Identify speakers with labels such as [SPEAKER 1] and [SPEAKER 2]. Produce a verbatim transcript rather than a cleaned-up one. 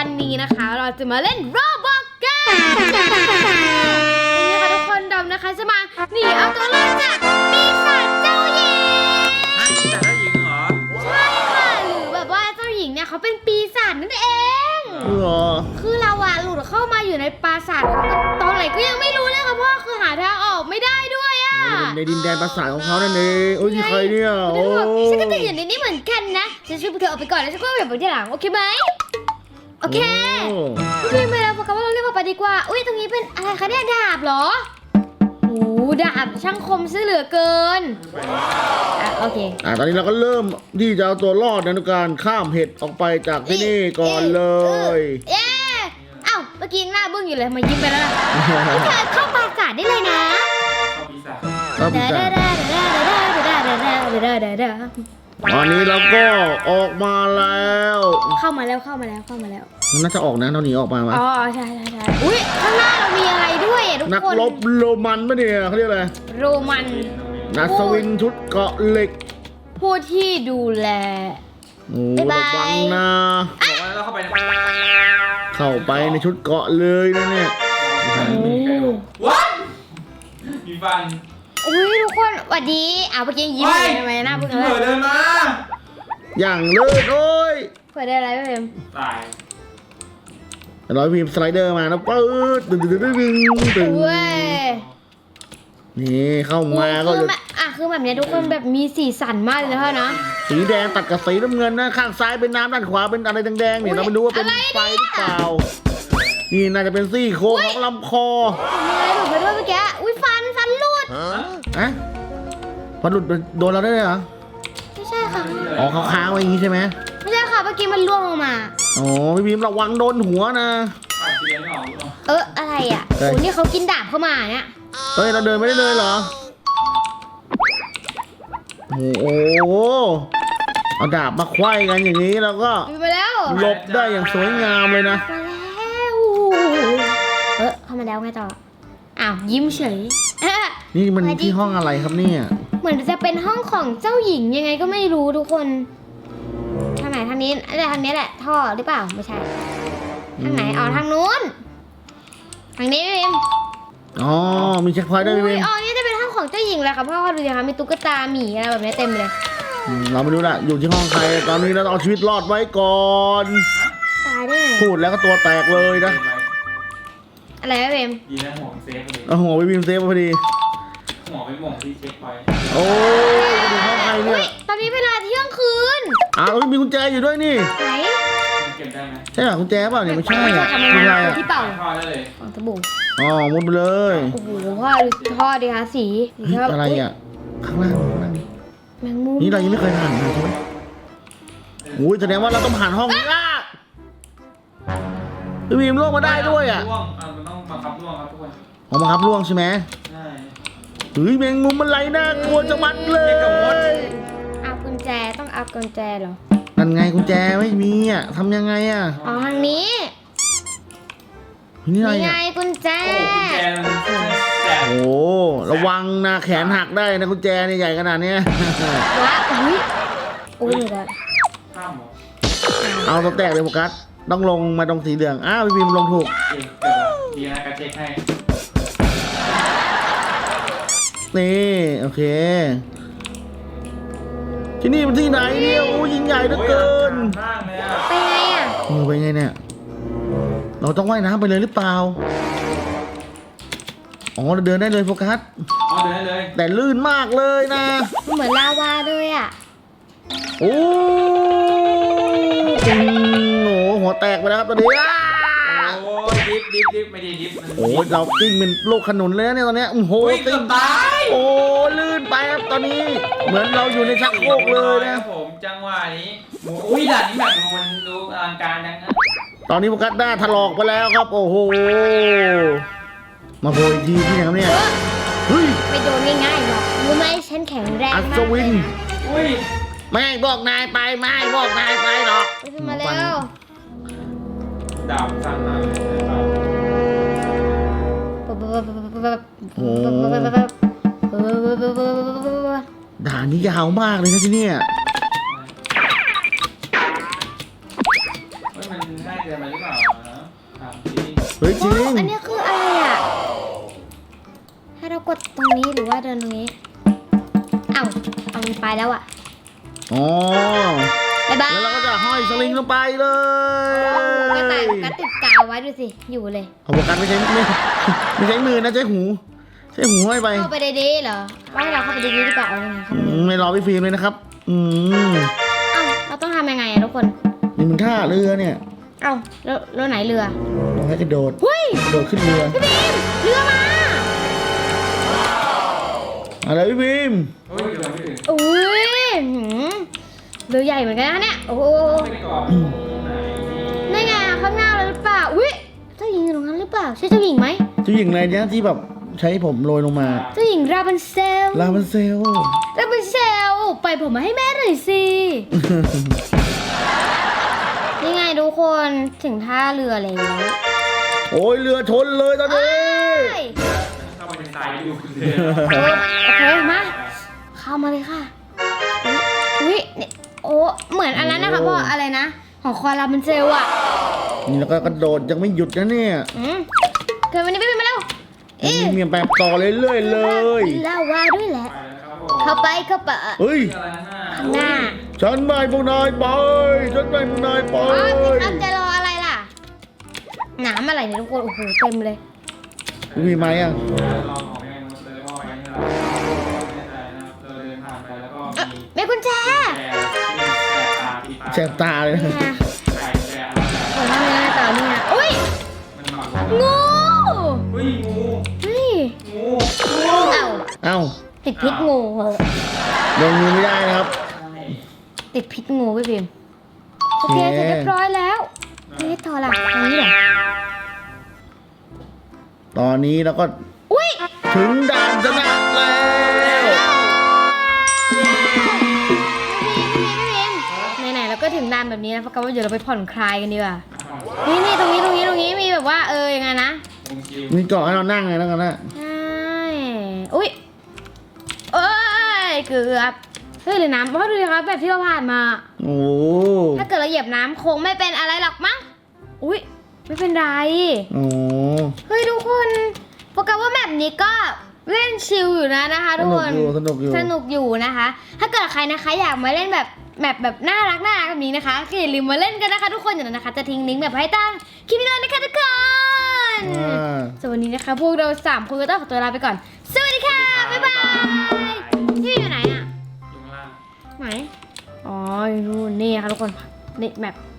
[SPEAKER 1] วันนี้นะคะเราจะมาเล่นโรบอกกันนี่ค่ะทุกคนดำนะคะจะมาหนีเอาตัวรอดจากปีศาจเจ้าหญิง
[SPEAKER 2] ฮะปีศาจเจ้าหญิงเหรอ
[SPEAKER 1] ใช่ค่ะหรือแบบว่าเจ้าหญิงเนี่ยเขาเป็นปีศาจนั่นเอง
[SPEAKER 3] เหรอ
[SPEAKER 1] คือเราอะหลุดเข้ามาอยู่ในปราสาทตอนไหนก็ยังไม่รู้เลยค่ะเพราะคือหาทางออกไม่ได้ด้วยอะ
[SPEAKER 3] ในดินแดนปราสาทของเขานั่นเองโอ้ยนี่ใครเนี่ยโอ้
[SPEAKER 1] ฉันก็ติดอยู่ในนี้เหมือนกันนะฉันช่วยพวกเธอออกไปก่อนแล้วฉันก็แบบไปที่หลังโอเคไหมโอเคพี่ไปแล้วโฟกัสว่าเราเรียกว่าไปดีกว่าอุ้ยตรงนี้เป็นอะไรคะเนี่ยดาบเหรอโอ้ดาบช่างคมซะเหลือเกินอ่ะโอเค
[SPEAKER 3] อ่ะตอนนี้เราก็เริ่มที่จะเอาตัวรอดในการข้ามเห็ดออกไปจากที่นี่ก่อนเลย
[SPEAKER 1] เย้เอ้าเมื่อกี้หน้าบึ้งอยู่เลยมายิ้มไปแล้วล่ะพี่เธอเข้าปราสาทได้เลยนะ
[SPEAKER 3] ครับพี่จ๋าตอนนี้เราก็ออกมาแล้ว
[SPEAKER 1] เข้ามาแล้วเข้ามาแล้วเข้ามาแล้ว
[SPEAKER 3] มันน่าจะออกนะเราหนีออกมาไหม
[SPEAKER 1] อ๋อใช่ใช่ใช่อุ้ยข้างหน้าเรามีอะไรด้วยอ่ะทุกคน
[SPEAKER 3] นักรบโรมันปะเนี่ยเขาเรียกอะไร
[SPEAKER 1] โรมัน
[SPEAKER 3] นักสวินชุดเกาะเหล็ก
[SPEAKER 1] ผู้ที่ดูแล
[SPEAKER 3] โอ้ระวังนะ
[SPEAKER 2] บอกว่าเราเข้าไปใน
[SPEAKER 3] เข้าไปในชุดเกาะเลยนะเนี่ย
[SPEAKER 2] ว้าวมีฟัน
[SPEAKER 1] อุ้ยทุกคนสวัสดีอ้าวเมื่อกี้ยิ้มเลยทำไมหน้าบึ้งอะไร
[SPEAKER 2] เผื่อเดินมา
[SPEAKER 3] อย่างเลิศโอ้ย
[SPEAKER 1] เผื่อได้อะไรไม่เป็น
[SPEAKER 2] ตาย
[SPEAKER 3] ร้อยพิมพ์สไลเดอร์มาแล้วปื๊ดตึงตึงตึงตึงตึงนี่เข้ามาก็
[SPEAKER 1] คืออ่ะคือแบบนี้ทุกคนแบบมีสีสันมากเลยนะพ่อเนาะ
[SPEAKER 3] สีแดงตัดกับสีน้ำเงินนะข้างซ้ายเป็นน้ำด้านขวาเป็นอะไรแดงๆเนี่ยเราไม่รู้ว่าเป็นไฟหรือเปล่านี่น่าจะเป็นซี่โครงของลำคอ
[SPEAKER 1] มีอะไรหลุดไปด้วยเมื่อกี้อุ้ยฟันฟันหลุด
[SPEAKER 3] ฮะฟันหลุดโดนเราได้เลยเหรอ
[SPEAKER 1] ไม่ใช่ค่ะ
[SPEAKER 3] อ๋อค้างๆไว้อย่างนี้ใช่ไหม
[SPEAKER 1] ไม่ใช่ค่ะเมื่อกี้มันล่วงลงมา
[SPEAKER 3] อ๋อพี่บีมระวังโดนหัวนะ
[SPEAKER 1] เอออะไรอ่ะโอ้นี่เขากินดาบเข้ามาเนี่ย
[SPEAKER 3] เฮ้ยเราเดินไม่ได้เลยเหรอโอ้โหเอาดาบมาคว้ายกันอย่างนี้แล้วก็หลบได้อย่างสวยงามเลยนะ
[SPEAKER 1] เออเข้ามาแล้วไงต่ออ้าวยิ้มเฉย
[SPEAKER 3] นี่มันที่ห้องอะไรครับเนี่ย
[SPEAKER 1] เหมือนจะเป็นห้องของเจ้าหญิงยังไงก็ไม่รู้ทุกคนทางไหนทางนี้แต่ทางนี้แหละท่อหรือเปล่าไม่ใช่ทางไหนอ๋อทางนู้นทางนี้พี่บิม
[SPEAKER 3] อ๋อมีเช็คพอยต์ด้วยพี่บิม
[SPEAKER 1] อ๋อนี่จะเป็นห้องของเจ้าหญิงแหละค่ะพ่อดูสิคะมีตุ๊กตาหมีอะไรแบบนี้เต็มเลย
[SPEAKER 3] เราไม่รู้ละอยู่ที่ห้องใครตอนนี้เราต้องเอาชีวิตรอดไว้ก่อน
[SPEAKER 1] ตายได้ไง
[SPEAKER 3] พูดแล้วก็ตัวแตกเลยนะ
[SPEAKER 1] อะไรพี่บิม
[SPEAKER 2] ดีนะหัวเซฟพอดี
[SPEAKER 3] เอาหัวพี่บิมเซฟพอดี
[SPEAKER 2] หัวไปมองที่เช็คพอยต์
[SPEAKER 3] โอ้ยอยู่ห้องใครเนี่ย
[SPEAKER 1] ตอนนี้เวลาเที่ยงคืน
[SPEAKER 3] อ้าวมีกุญแจอยู่ด้วยนี่
[SPEAKER 1] ไหน
[SPEAKER 2] เก็บได้ไหม
[SPEAKER 3] ใช่หรอกุญแจเปล่าเนี่ยไม่ใช่อ่ะ
[SPEAKER 1] กุญแจที่เป่า
[SPEAKER 2] ท่อได้เลย
[SPEAKER 1] ของสบู่
[SPEAKER 3] อ๋อมุดไปเลย
[SPEAKER 1] โอ้โหพ่อดูท่อดิคะสี
[SPEAKER 3] อะไรอ่ะข้างล่างข้างล่าง
[SPEAKER 1] แมงมุม
[SPEAKER 3] นี่เรายังไม่เคยผ่านเลยใช่ไหมโอ้ยแสดงว่าเราต้องผ่านห้องนี้ละพี่บีมล่วงมาได้ด้วยอ่ะ
[SPEAKER 2] ล่วงมันต้องบังคับล่วงครับทุกคน
[SPEAKER 3] อ๋อบังคับล่วงใช่ไหม
[SPEAKER 2] ใช่
[SPEAKER 3] เฮ้ยแมงมุมมันไหลน่ากลัวจะมัดเลย
[SPEAKER 1] เอากุญแจต้องเอากุญแจเหรอ
[SPEAKER 3] นั่นไงกุญแจไม่มีอ่ะทำยังไงอ่ะ
[SPEAKER 1] อ๋อทางนี้
[SPEAKER 3] นี่
[SPEAKER 1] ไงกุญแจ
[SPEAKER 3] โอ้ระวังนะแขนหักได้นะกุญแจนี่ใหญ่ขนาดนี้
[SPEAKER 1] ว้าอุ้ยโอ้ยเลย
[SPEAKER 3] เอาตัวแตกเลยโฟกัสต้องลงมาตรงสีเหลืองอ้าวพี่บีมลงถูก
[SPEAKER 2] ดีนะการเช็คให้
[SPEAKER 3] นี่โอเคที่นี่มันที่ไหนเนี่ยโอ้ยิ่งใหญ่เหลือเกิน
[SPEAKER 1] ไปไงอ่ะ
[SPEAKER 3] เออไปไงเนี่ยเราต้องว่ายน้ำไปเลยหรือเปล่าอ๋อเราเดินได้เลยโฟกัส
[SPEAKER 2] อ๋อเดินได้เลย
[SPEAKER 3] แต่ลื่นมากเลยนะ
[SPEAKER 1] เหมือนลาวาเลยอ่ะ
[SPEAKER 3] โอ้โหหัวแตกไปแล้วครับตอนนี้
[SPEAKER 2] โอ้ยดิฟดิฟดิฟไม่ดีดิฟ
[SPEAKER 3] โอ้ยเรากิ้งเป็นลูกขนุนเลยเนี่ยตอนนี้โอ้โห
[SPEAKER 2] ติ้งตาย
[SPEAKER 3] โอ้ลื่นไปครับตอนนี้เหมือนเราอยู่ในชักโครกเลยนะ
[SPEAKER 2] ผมจังหวะนี้อุ้ยด่านนี้แบบดูมันดูอลังการนะ
[SPEAKER 3] ตอนนี้โฟกัสหน้าถลอกไปแล้วครับโอ้โหมาโผล่อีกทีที่ไหนครับเนี่ยเฮ้ย
[SPEAKER 1] ไม่โดนง่ายๆหรอกรู้ไหมฉันแข็งแรง
[SPEAKER 3] อัศวิน
[SPEAKER 2] อุ้ย
[SPEAKER 3] ไม่บอกนายไปไม่บอกนายไปหรอก
[SPEAKER 1] ขึ้นมาแล้ว
[SPEAKER 2] ดาบสั่นมา
[SPEAKER 3] โอ้ด่านนี้ยาวมากเลยนะที่นี่
[SPEAKER 2] เฮ้ยมันง่ายเกินไปหรือเปล่า
[SPEAKER 3] ฮ้ยจริง
[SPEAKER 1] อันนี้คืออะไรอ่ะให้เรากดตรงนี้หรือว่าเดินตรงนี้เอ้าเอามันไปแล้วอ่ะ
[SPEAKER 3] อ๋อ
[SPEAKER 1] บ๊ายบาย
[SPEAKER 3] แล้วเราก็จะห้อยสลิงลงไปเลย
[SPEAKER 1] กระต่ายกระติดกาวไว้ดูสิอยู่เลย
[SPEAKER 3] เอาโฟกัสไม่ใช่ไม่ไม่ใช่มือนะใช้หูใช้หูห้อยไป
[SPEAKER 1] เข้าไปดีๆเหรอว่าให้เราเข้าไปดีๆดีกว่าเอายังไงเข้าไป
[SPEAKER 3] อืมไม่รอพี่ฟิล์มเลยนะครับ อืม
[SPEAKER 1] เอ้าเราต้องทำยังไงอะทุกคน
[SPEAKER 3] นี่มันท่าเรือเนี่ย
[SPEAKER 1] เอ้าแล้วแล้วไหนเรือ
[SPEAKER 3] เราให้กระโดด
[SPEAKER 1] เฮ้ย
[SPEAKER 3] กระโดดขึ้นเรือ
[SPEAKER 1] พี่บีมเรือมา
[SPEAKER 3] อะไรพี่ฟิล์ม
[SPEAKER 2] เฮ้ยเดี๋ยวไม่ถึง
[SPEAKER 1] อุ้ยหืมเรือใหญ่เหมือนกันนะเนี่ยโอ้โห
[SPEAKER 2] ไปก่อน
[SPEAKER 1] นี่ไงข้างหน้าเลยหรือเปล่าอุ้ยเจ้าหญิงอยู่ตรงนั้นหรือเปล่าใช่เจ้าหญิงไหม
[SPEAKER 3] เจ้าหญิงอะไรเนี่ยที่แบบใช้ผมโรยลงมา
[SPEAKER 1] เจ้าหญิงราบันเซล
[SPEAKER 3] ลาบันเซล
[SPEAKER 1] ราบันเซลไปผมมาให้แม่หน่อยสิ นี่ไงทุกคนถึงท่าเรือแล้ว
[SPEAKER 3] โอ้ยเรือชนเลยตอนนี้
[SPEAKER 1] เฮ้ย
[SPEAKER 2] เข้าไปในทรายอยู่เลย
[SPEAKER 1] โอเคมาเข้ามาเลยค่ะอุ้ยนี่โอ้เหมือนอันนั้นนะคะพ่ออะไรนะของคอราบันเซลอะ
[SPEAKER 3] นี่แล้วก็กระโดดยังไม่หยุดนะเนี่ย
[SPEAKER 1] อืมเกิดวันนี้ไม่เป็นมาแล้ว
[SPEAKER 3] ยัง
[SPEAKER 1] อี
[SPEAKER 3] มีเมียแบบต่อเรื่อยๆเลย
[SPEAKER 1] เล่าว่าด้วยแหละ
[SPEAKER 2] ไปแล้วครับผม
[SPEAKER 1] เข้าไปเข้าไป
[SPEAKER 3] เฮ้ย
[SPEAKER 2] อะไรนะ
[SPEAKER 1] ข้างหน้า
[SPEAKER 3] ฉันไม่พวกนายไปฉันไม่พวกนายไป
[SPEAKER 1] อ๋อพี่ครับจะรออะไรล่ะน้ำอะไรเนี่ยทุกคนโอ้โหเต็มเลย
[SPEAKER 3] มีไหมอ่ะ
[SPEAKER 2] ลองออกไปกันเลยว่าไปนี่แหละไม่แน่ใจนะครับเราเดินผ่านไปแล้วก็
[SPEAKER 1] เอ๊ะ
[SPEAKER 2] มี
[SPEAKER 1] แม่กุญแจ
[SPEAKER 2] แชร์ที่แชร์ตาที่ตา
[SPEAKER 3] แสบตาเลยนะ
[SPEAKER 1] นี่ไง
[SPEAKER 2] ใช่แชร์อะไร
[SPEAKER 1] โอ้ยทำยังไงต่อเนี่ยอุ้ย
[SPEAKER 2] มันหมัก
[SPEAKER 1] งู
[SPEAKER 2] เฮ้ยงู
[SPEAKER 1] เฮ้ย
[SPEAKER 2] งู
[SPEAKER 1] เอ้า
[SPEAKER 3] เอ้า
[SPEAKER 1] ติดพิษงูเหรอ
[SPEAKER 3] ลงมือไม่ได้นะครับ
[SPEAKER 1] ติดพิษงูพี่พิมโอเคเสร็จเรียบร้อยแล้วนี่ต่อละตรงนี้เหรอ
[SPEAKER 3] ตอนนี้เราก็
[SPEAKER 1] อุ้ย
[SPEAKER 3] ถึงด่านชนะแล้ว
[SPEAKER 1] พี่พิมไหนๆเราก็ถึงด่านแบบนี้แล้วเพราะว่าเดี๋ยวเราไปผ่อนคลายกันดีกว่านี่นี่ตรงนี้ตรงนี้ตรงนี้มีแบบว่าเออยังไงนะ
[SPEAKER 2] งูคิว
[SPEAKER 3] มีเกาะให้เรานั่งไงแล้วกันนะ
[SPEAKER 1] ใช่อุ้ยเอ้ยเกือบเฮ้ยหรือน้ำเพราะดูสิครับแบบที่เราผ่านมา
[SPEAKER 3] โอ้
[SPEAKER 1] ถ้าเกิดเราเหยียบน้ำคงไม่เป็นอะไรหรอกมั้งอุ้ยไม่เป็นไร
[SPEAKER 3] โอ้
[SPEAKER 1] เฮ้ยทุกคนโปรแกรมว่าแบบนี้ก็เล่นชิลอยู่นะนะคะ
[SPEAKER 3] ส
[SPEAKER 1] ทุก
[SPEAKER 3] นุ
[SPEAKER 1] ค
[SPEAKER 3] ก
[SPEAKER 1] น
[SPEAKER 3] อยู่สนุกอยู่
[SPEAKER 1] สนุกอยู่นะคะ ถ้าเกิดใครนะคะอยากมาเล่นแบบแบบแบบน่ารักน่ารักแบบนี้นะคะก็อย่าลืมมาเล่นกันนะคะ ทุกคนอย่างนั้นนะคะ จะทิ้งลิงก์แบบให้ตั้งคลิปนี้เลยนะคะทุกคน
[SPEAKER 3] อ่า
[SPEAKER 1] ส่วนวันนี้นะคะพวกเราสามคนก็ต้องขอตัวลาไปก่อน สวัสดีค่ะ บ๊ายบาย พี่อยู่ไหนอะ
[SPEAKER 2] อยู่ข้างล่าง
[SPEAKER 1] ไหน อ๋ออยู่นู่นนี่ค่ะทุกคน นี่แบบ